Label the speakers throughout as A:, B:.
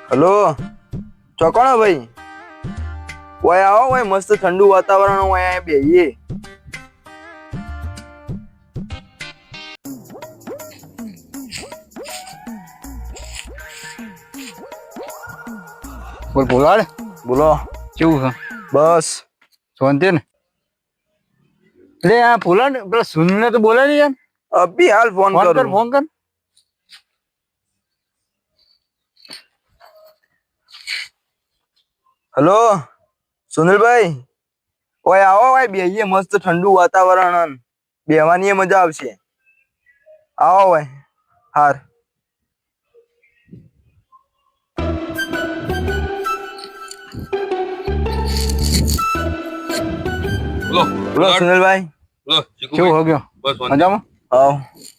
A: Hello ચોકણો ભાઈ ઓય આવો ઓય મસ્ત ઠંડુ વાતાવરણ ઓય અહીંયા બેહીએ
B: બોલ બોલાડ
A: બોલો
B: કેવું છે
A: બસ
B: શાંતિ ને એટલે આ બોલાડ પેલા સુનીલ ને તો બોલે નહીં યાર
A: અભી હાલ ફોન
B: ફોન કર
A: કરું
B: ફોન કર
A: હલો સુનિલભાઈ ઓય આવો ઓય બેહીએ મસ્ત ઠંડુ વાતાવરણ બેહવાની મજા આવશે આવો ઓય હાર
C: બોલો
A: બોલો સુનિલભાઈ
C: બોલો ચીકુ
B: કેવું હો ગયો
C: બસ વાંધો
B: મજામાં
A: આવો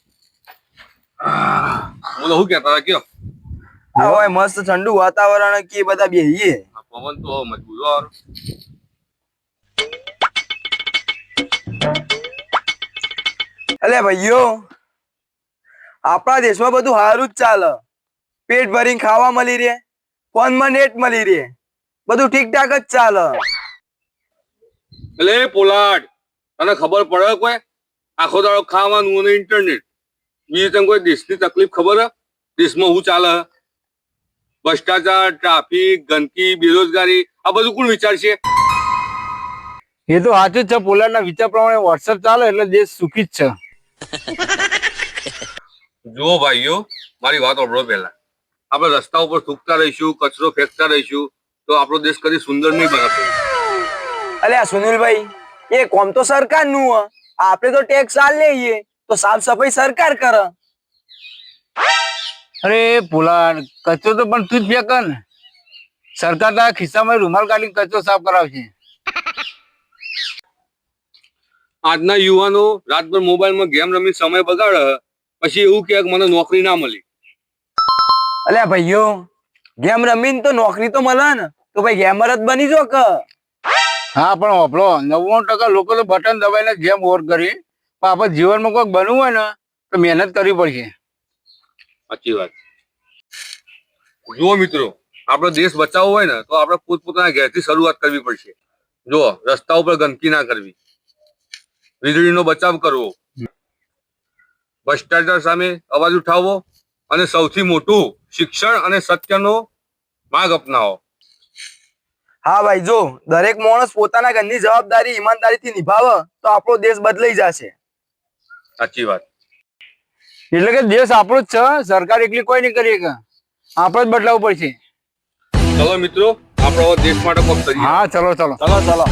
C: બોલો શું કહેતા હતા કયો
A: આવો ઓય મસ્ત ઠંડુ વાતાવરણ કે બધા બેહીએ
C: આ પવન તો મજબૂત યાર
A: અલે ભાઈઓ આપણા દેશમાં બધું સારું જ ચાલે પેટ ભરીને ખાવા મળી રહે ફોનમાં નેટ મળી રહે બધું ઠીક ઠાક જ ચાલે
C: એટલે પોલાડ તને ખબર પડે કોઈ આખો દાડો ખાવાનું અને ઇન્ટરનેટ બીજી તને કોઈ દેશની તકલીફ ખબર હે દેશમાં શું ચાલે હે? ભ્રષ્ટાચાર ટ્રાફિક ગંદકી બેરોજગારી આ બધું કોણ વિચારશે
B: એ તો સાચું જ છે પોલાડના વિચાર પ્રમાણે વોટ્સઅપ ચાલે એટલે દેશ સુખી જ છે
C: જુઓ ભાઈઓ મારી વાત સાંભળો પહેલા આપણે રસ્તા ઉપર થૂકતા રહીશું કચરો ફેંકતા રહીશું તો આપણો દેશ કદી સુંદર નહીં બને
A: અલ્યા સુનિલભાઈ એ કોમ તો સરકાર નું આપણે તો ટેક્સ આલ લઈએ તો સાફ સફાઈ સરકાર કરે
B: અરે પોલાડ કચરો તો પણ તું જ ફેંક ને સરકાર તારા ખિસ્સામાં રૂમાલ કાઢીને કચરો સાફ કરાવશે
C: આજના યુવાનો રાતભર મોબાઈલમાં ગેમ રમી સમય બગાડે પછી એવું કે મને નોકરી ના મળી
A: અલ્યા ભાઈઓ ગેમ રમીને તો નોકરી તો મળે ને તો ભાઈ ગેમર જ બની જો કે
B: હા પણ વાપરો 99% લોકો તો બટન દબાઈને ગેમ ઓવર કરી પણ આપણે જીવનમાં કોઈક બનવું હોય ને તો મહેનત કરવી પડશે
C: સાચી વાત જુઓ મિત્રો આપણો દેશ બચાવવો હોય ને તો આપણે પોતપોતાના ઘેરથી શરૂઆત કરવી પડશે જુઓ રસ્તા ઉપર ગંદકી ના કરવી વીજળીનો બચાવ કરવો ભ્રષ્ટાચાર સામે અવાજ ઉઠાવવો અને સૌથી મોટું શિક્ષણ અને સત્યનો માર્ગ અપનાવો
A: હા ભાઈ જો દરેક માણસ પોતાના ઘરની જવાબદારી ઈમાનદારીથી નિભાવે તો આપણો દેશ બદલાઈ જશે
C: સાચી વાત
B: એટલે કે દેશ આપણો જ છે સરકાર એકલી કોઈ નહીં કરી શકે આપણે જ બદલાવવું પડશે
C: ચલો મિત્રો આપણો દેશ માટે કોક કરીએ
B: હા ચલો ચલો
A: ચલો ચલો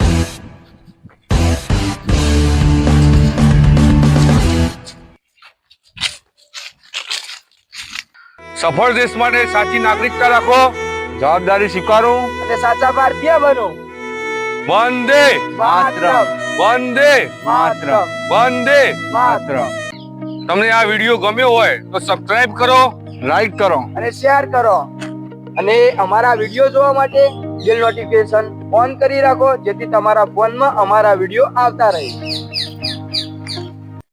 C: સફળ દેશ માટે સાચી નાગરિકતા રાખો
B: જવાબદારી સ્વીકારો
A: અને સાચા ભારતીય બનો
C: વંદે
A: માતરમ
C: વંદે
A: માતરમ
C: વંદે
B: માત્ર
C: તમને આ વિડીયો ગમ્યો હોય તો સબસ્ક્રાઇબ કરો
B: લાઈક કરો
A: અને શેર કરો અને અમારા વિડીયો જોવા માટે બેલ નોટિફિકેશન ઓન કરી રાખો જેથી તમારા ફોનમાં અમારા વિડીયો આવતા રહે